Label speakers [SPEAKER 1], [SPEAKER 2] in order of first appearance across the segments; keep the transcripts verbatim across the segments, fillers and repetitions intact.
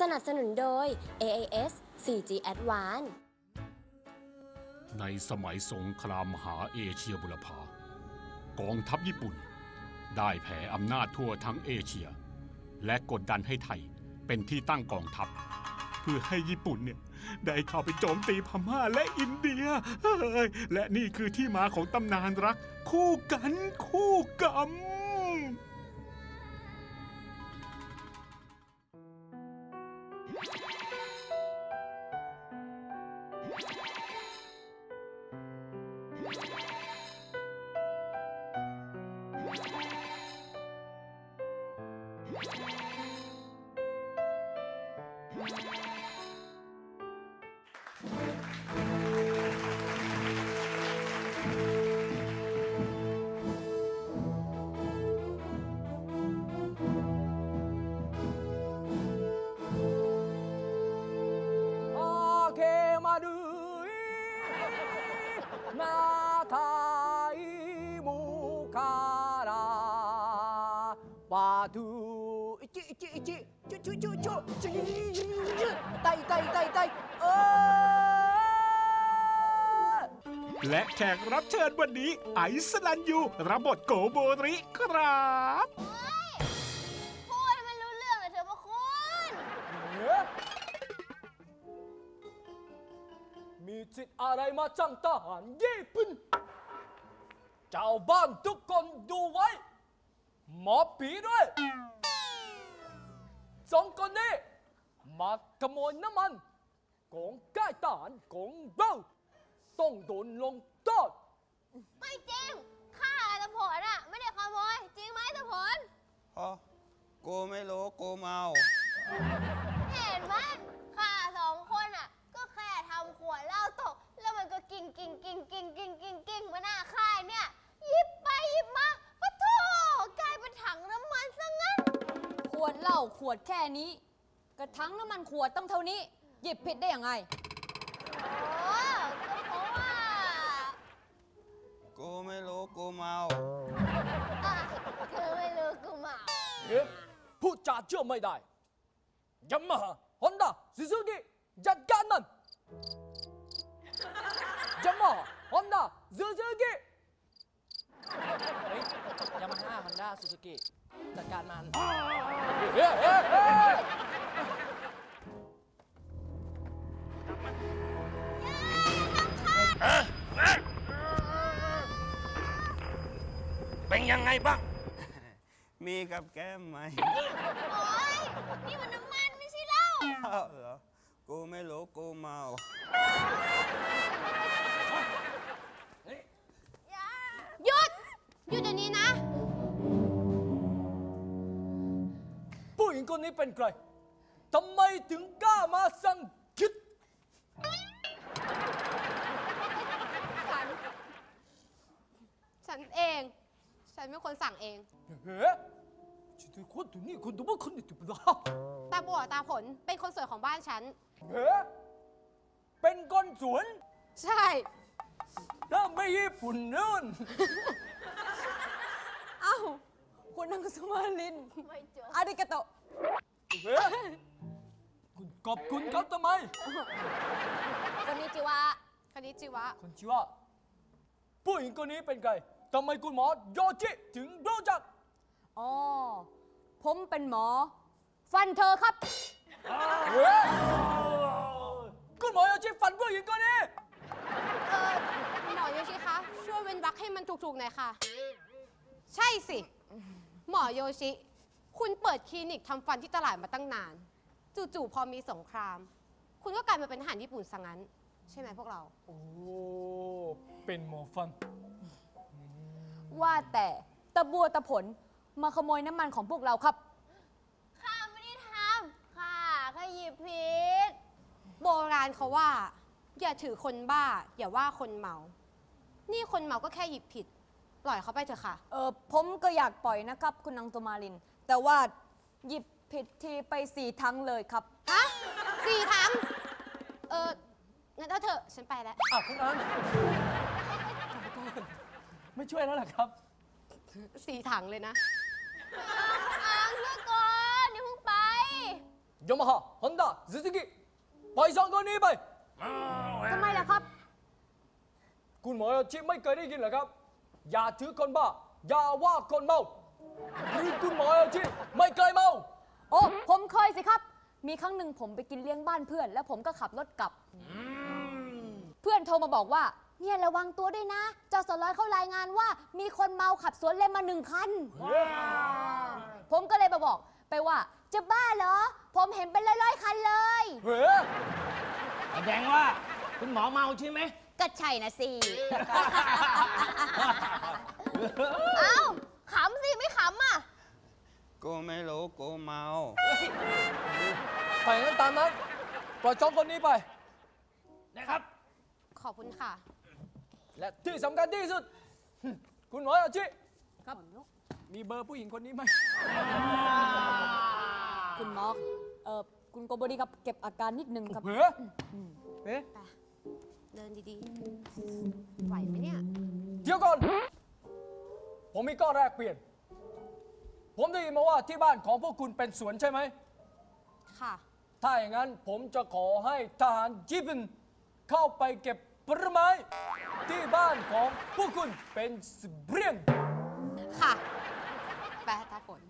[SPEAKER 1] นับสนุนโดย เอ เอ เอส โฟร์จี Advance
[SPEAKER 2] ในสมัยสงครามมหาเอเชียบุรพา กองทัพญี่ปุ่นได้แผ่อำนาจทั่วทั้งเอเชีย และกดดันให้ไทยเป็นที่ตั้งกองทัพ เพื่อให้ญี่ปุ่นเนี่ยได้เข้าไปโจมตีพม่าและอินเดียเฮ้ยและนี่คือที่มาของตำนานรัก คู่กันคู่กรรม
[SPEAKER 3] ワドゥイチイチイチチュチュチュチュチュ痛い痛い痛い痛いเออ
[SPEAKER 2] และแขกรับเชิญวันนี้ไอซ์ลันยูรับบทโกโบริครับ
[SPEAKER 4] พูดให้มันรู้เรื่องเลยเถอะพระคุณ
[SPEAKER 3] มีจิตอะไรมาจังทหารญี่ปุ่นเจ้าบ้านทุกคนดูไว้หมอผีด้วยสองคนนี้มาขโมยน้ำมันของค่ายทหารของเราต้องโดนลงโทษ
[SPEAKER 4] ไม่จริงข้าตะผลอ่ะไม่ได้ขโมยจริงไหมตะผล
[SPEAKER 5] อ๋อกูไม่รู้กูเมา
[SPEAKER 4] เห็นไหมข้าสองคนอ่ะก็แค่ทำขวดเหล้าตกแล้วมันก็กิ่งกิ่งกิ่งกิ่งกิ่งกิ่งกิ่งมาหน้าค่ายเนี่ยหยิบไปหยิบมาปะโถกลายเป็นถังน้ำมันซะงั้น
[SPEAKER 6] ขวดเหล้าขวดแค่นี้กระถังน้ำมันขวดต้องเท่านี้หยิบผิดได้ยังไง
[SPEAKER 4] โอ้ก็เพราะว่า
[SPEAKER 5] กูไม่รู้กูเมา
[SPEAKER 4] อ่ะเธอไม่รู้กูเมา
[SPEAKER 3] เอ๊ะพูดจาเชื่อไม่ได้ยามาฮ่าฮอนด้าซูซูกิจัดการมันยามาฮ่าฮอนด้าซูซูกิเฮ้ยยามาฮ่าฮอนด้าซูซูกิจัดการมันเฮ้ยเฮ้ยเฮ้ย
[SPEAKER 5] เป็นยังไงบ้าง มีกับแก้มไหม
[SPEAKER 4] โอ๊ยนี่มันน้ำมันไม่ใช่เหล้า
[SPEAKER 5] อ้าวเหรอ กูไม่รู้กูเมา
[SPEAKER 4] หยุดหยุดเดี๋ยวนี้นะ
[SPEAKER 3] ผู้หญิงคนนี้เป็นใครทำไมถึงกล้ามาสั่งคิด
[SPEAKER 7] ฉัน ฉันเอง ฉันเป็นคนสั่งเอง
[SPEAKER 3] เฮ้ยฉันเป็นคนที่นี่คนตัวบ้าคนนี้ตัวบ้า
[SPEAKER 7] ตาบัวตาผลเป็นคนสวยของบ้านฉัน
[SPEAKER 3] เฮ้ยเป็นคนสวน
[SPEAKER 7] ใช่
[SPEAKER 3] ถ้าไม่ญี่ปุ่นนู่น
[SPEAKER 6] เอ้าคุณนังสมาลิน
[SPEAKER 4] ไม่จบ
[SPEAKER 6] อาริกาโตะ
[SPEAKER 3] เฮ้ยคุณขอบคุณเขาทำไม
[SPEAKER 6] คนนี้จิวะ
[SPEAKER 7] คณิจิวะ
[SPEAKER 3] คุณชิวะผู้หญิงคนนี้เป็นใครทำไมคุณหมอโยชิถึงรู้จัก
[SPEAKER 6] อ๋อผมเป็นหมอ ฟันเธอครับ
[SPEAKER 3] เฮ้ยคุณหมอโยชิฟันผู้หญิงคนนี้
[SPEAKER 7] เออหมอโยชิคะ ช่วยเว้นวรรคให้มันถูกๆหน่อยค่ะ ใช่สิ หมอโยชิ คุณเปิดคลินิกทำฟันที่ตลาดมาตั้งนาน จู่ๆพอมีสงคราม คุณก็กลายมาเป็นทหารญี่ปุ่นซะงั้น ใช่ไหมพวกเรา
[SPEAKER 3] โอ้ เป็นหมอฟัน
[SPEAKER 6] ว่าแต่ตะบัวตะผลมาขโมยน้ำมันของพวกเราครับ
[SPEAKER 4] ข้าไม่ได้ทำข้าแค่หยิบผิด
[SPEAKER 7] โบราณเขาว่า อย่าถือคนบ้า อย่าว่าคนเมา นี่คนเมาก็แค่หยิบผิด ปล่อยเขาไปเถอะค่ะ
[SPEAKER 6] เออผมก็อยากปล่อยนะครับ คุณนังสมาลิน แต่ว่าหยิบผิดทีไปสี่ทั้งเลยครับ
[SPEAKER 7] ฮะสี่ถัง เอองั้นเอาเถอะ ฉันไปแล้ว
[SPEAKER 3] อ่ะคุณอันไม่ช่วยแล้วเหรอครับ
[SPEAKER 7] สี่ถังเลยนะ
[SPEAKER 4] อ่างเพื่อก่อนอย่าเพิ่งไป
[SPEAKER 3] ยามาฮ่าฮอนด้าซูซูกิไปสองคนนี้ไป
[SPEAKER 6] ทำไมล่ะครับ
[SPEAKER 3] คุณหมอโยชิไม่เคยได้ยินเหรอครับ อย่าถือคนบ้า อย่าว่าคนเมาหรือคุณหมอโยชิไม่เคยเมา
[SPEAKER 6] โอ้ ผมเคยสิครับ มีครั้งหนึ่งผมไปกินเลี้ยงบ้านเพื่อน แล้วผมก็ขับรถกลับ เพื่อนโทรมาบอกว่า เนี่ยระวังตัวด้วยนะ เจ้าสร้อยเขารายงานว่า มีคนเมาขับสวนเลนมาหนึ่งคัน ผมก็เลยมาบอกไปว่า จะบ้าเหรอ ผมเห็นเป็นร้อยๆคันเลย
[SPEAKER 3] เฮ้ย
[SPEAKER 8] แสดงว่าคุณหมอเมาใช่ไหม
[SPEAKER 6] ก็ใช่นะสิ
[SPEAKER 4] เอ้าขำสิ ไม่ขำอ่ะ
[SPEAKER 5] กูไม่รู้กูเมา
[SPEAKER 3] ไปงั้นตามนั้นปล่อยสองคนนี้ไป
[SPEAKER 8] นะครับ
[SPEAKER 7] ขอบคุณค่ะ
[SPEAKER 3] และที่สำคัญที่สุด คุณหมอโยชิ
[SPEAKER 6] ครับ
[SPEAKER 3] มีเบอร์ผู้หญิงคนนี้ไหม
[SPEAKER 6] คุณหมอเอ่อ คุณโกโบดีครับ เก็บอาการนิดนึงครับ
[SPEAKER 3] เฮ้ยเฮ้ย
[SPEAKER 7] เดินดีๆ ไหวไหมเนี่ย
[SPEAKER 3] เดี๋ยวก่อน ผมมีข้อแรกเปลี่ยน ผมได้ยินมาว่าที่บ้านของพวกคุณเป็นสวนใช่ไหม
[SPEAKER 7] ค่ะ
[SPEAKER 3] ถ้าอย่างนั้นผมจะขอให้ทหารญี่ปุ่นเข้าไปเก็บผลไม้ที่บ้านของพวกคุณเป็นเสเบียง
[SPEAKER 7] ค่ะ แปลตาฝน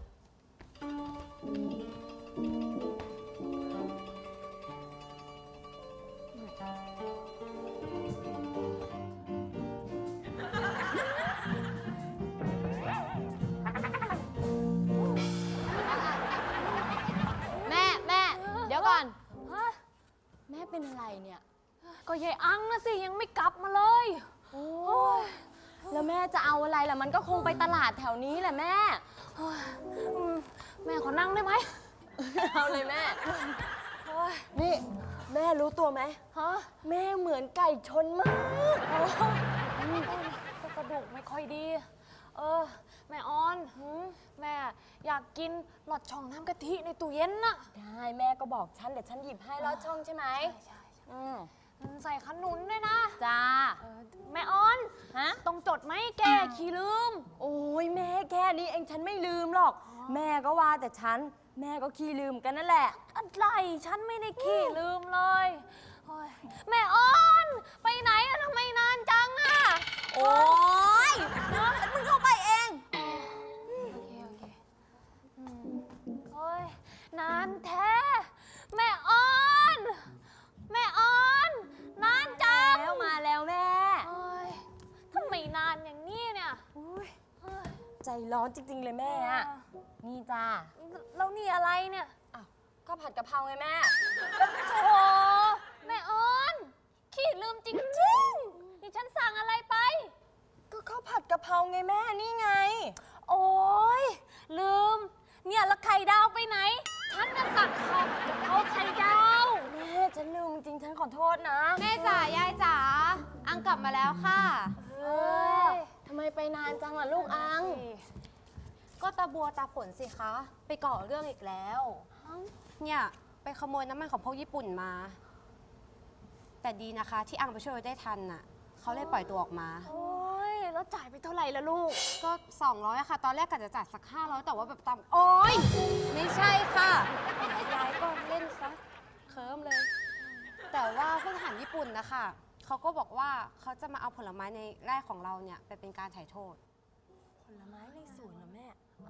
[SPEAKER 6] แม่ แม่ เดี๋ยวก่อน แม่เป็นอะไรเนี่ย ก็ยายอังนะสิ ยังไม่กลับมาเลย โอ้ยแล้วแม่จะเอาอะไรล่ะ มันก็คงไปตลาดแถวนี้แหละแม่โอ้ยอืมแม่ขอนั่งได้ไหม เอาเลยแม่โอ้ยนี่ แม่รู้ตัวไหมฮะแม่เหมือนไก่ชนมากโอ้ยอืมก็กระดูกไม่ค่อยดี เออ แม่ออนแม่อยากกินหลอดช่องน้ำกะทิในตู้เย็นน่ะ
[SPEAKER 9] ได้แม่ก็บอกฉันเดี๋ยวฉันหยิบให้ลอดช่องใช่ไหม
[SPEAKER 6] ใช่
[SPEAKER 9] อืม
[SPEAKER 6] ใส่ขนุนด้วยนะ
[SPEAKER 9] จ้า
[SPEAKER 6] เออแม่ออน
[SPEAKER 9] ฮะ
[SPEAKER 6] ต้องจดไหมแกขี้ลืม
[SPEAKER 9] โอ้ยแม่แค่นี้เองฉันไม่ลืมหรอก แม่ก็ว่าแต่ฉัน แม่ก็ขี้ลืมกันนั่นแหละ
[SPEAKER 6] อะไรฉันไม่ได้ขี้ลืมเลยโอ้ยแม่ออน ไปไหนอะทำไมนานจังอะ
[SPEAKER 9] โอ้ยมึงเข้าไปเอง
[SPEAKER 6] โอเคโอเคอืมโอ้ยนานแท้ แม่ออน แม่ออน นานจัง
[SPEAKER 9] แล้วมาแล้วแม่
[SPEAKER 6] โอ้ยทำไมนานอย่างนี้เนี่ย
[SPEAKER 9] อุ๊ย
[SPEAKER 6] เฮ้ย
[SPEAKER 9] ใจร้อนจริง ๆ เลยแม่อะนี่จ้า
[SPEAKER 6] แล้วนี่อะไรเนี่ย
[SPEAKER 9] อ้าวก็ผัดกะเพราไงแม่
[SPEAKER 6] โอ้แม่ออนขี้ลืมจริงๆนี่ฉันสั่งอะไรไป
[SPEAKER 9] ก็ข้าวผัดกะเพราไงแม่นี่ไง
[SPEAKER 6] โอ้ยลืม เนี่ยแล้วไข่ดาวไปไหน ฉันจะสั่งข้าวกะเพราไข่ดาว
[SPEAKER 9] แม่ฉันลืมจริงๆฉันขอโทษนะ
[SPEAKER 7] แม่จ๋ายายจ๋า อังกลับมาแล้วค่ะ
[SPEAKER 9] เออทำไมไปนานจังล่ะลูกอัง
[SPEAKER 7] ก็ตาบัวตาฝนสิคะ ไปก่อเรื่องอีกแล้ว เนี่ย ไปขโมยน้ำมันของพวกญี่ปุ่นมา แต่ดีนะคะที่อังไปช่วยไว้ได้ทันน่ะ เขาเลยปล่อยตัวออกมา
[SPEAKER 6] โอ้ยแล้วจ่ายไปเท่าไหร่ละลูก
[SPEAKER 7] ก็ สองร้อยอะค่ะ ตอนแรกกะจะจ่ายสัก ห้าร้อย แต่ว่าแบบตามโอ๊ย ไม่ใช่ค่ะแหมยายก็เล่นซะเคิมเลย แต่ว่าผู้ทหารญี่ปุ่นนะคะเขาก็บอกว่าเขาจะมาเอาผลไม้ในไร่ของเราเนี่ยไปเป็นการไถ่โทษ
[SPEAKER 9] ผลไม้ในสวนเหรอแม่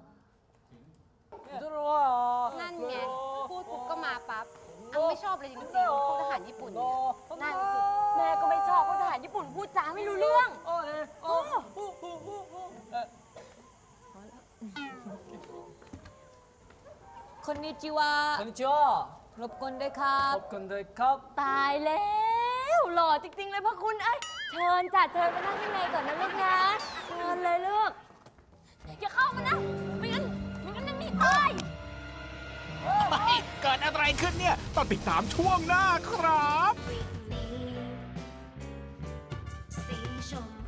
[SPEAKER 7] นั่นไง พูดปุ๊บก็มาปั๊บ อังไม่ชอบเลยจริงๆพวกทหารญี่ปุ่นเนี่ย
[SPEAKER 9] นั่นสิ แม่ก็ไม่ชอบเพราะทหารญี่ปุ่นพูดจาไม่รู้เรื่อง
[SPEAKER 3] โอ้ยโอ้เอ่อ
[SPEAKER 6] คนนิจิวะ
[SPEAKER 3] こんにちは
[SPEAKER 6] รบกวนด้วยครับ
[SPEAKER 3] ขอบคุณด้วยครับ
[SPEAKER 9] ตายแล้วหล่อจริง ๆ เลยพ่อคุณไอ้ยเชิญจ้ะเชิญมานั่งข้างในก่อนนะลูกนะ เชิญเลยลูก
[SPEAKER 6] อย่าเข้ามานะ ไม่งั้นไม่งั้นนั่นนี่ตาย
[SPEAKER 2] เกิดอะไรขึ้นเนี่ย ต้องติดตามช่วงหน้าครับ
[SPEAKER 10] สีชม